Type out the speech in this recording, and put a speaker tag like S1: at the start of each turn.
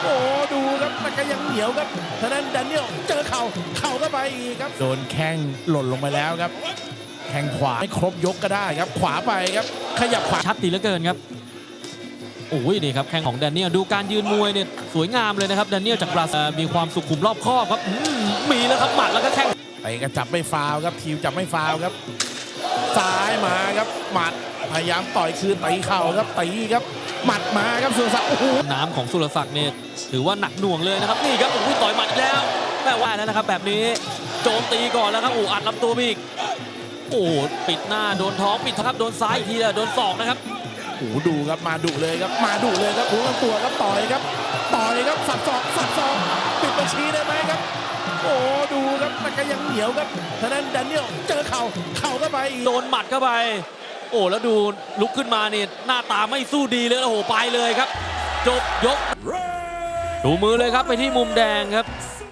S1: โอ้ดูครับมันก็ยังเหนียวครับทางนั้นแดเนียลเจอเข่าก็ไปอีกครับโดนแข้งหล่นลงไปแล้วครับแข้งขวาไม่ครบยกก็ได้ครับขวาไปครับขยับขวา
S2: ชัดตีเหลือเกินครับโอ้ยนี่ครับแข้งของแดเนียลดูการยืนมวยเนี่ยสวยงามเลยนะครับแดเนียลจากบราซิลมีความสุขุมรอบคอบครับมีแล้วครับหมัดแล้วก็แข้ง
S1: ไปก็จับไม่ฟาวครับทีมจับไม่ฟาวครับซ้ายมาครับหมัดพยายามต่อยคืนตีเข่าครับตีครับหมัดมาครับสุรศักดิ์โอ้โห
S2: น้ำของสุรศักดิ์เนี่ยถือว่าหนักหน่วงเลยนะครับนี่ครับโอ้ยต่อยหมัดอีกแล้วแม่ว่าแล้วนะครับแบบนี้โจมตีก่อนแล้วครับโอ้อัดลำตัวไปอีกโอ้ปิดหน้าโดนท้องปิดครับโดนซ้ายอีกทีโดนศอกนะครับ
S1: โอ้ดูครับมาดุเลยครับมาดุเลยครับหูลำตัวครับต่อยครับสับศอกปิดบัญชีได้ไหมครับโอ้ดูครับมันก็ยังเหนียวครับทางนั้นแดเนียลเจอเข่าก็ไปอีก
S2: โดนหมัดเข้าไปโอ้แล้วดูลุกขึ้นมาเนี่ยหน้าตาไม่สู้ดีเลยโอ้โหไปเลยครับจบยกดูมือเลยครับไปที่มุมแดงครับ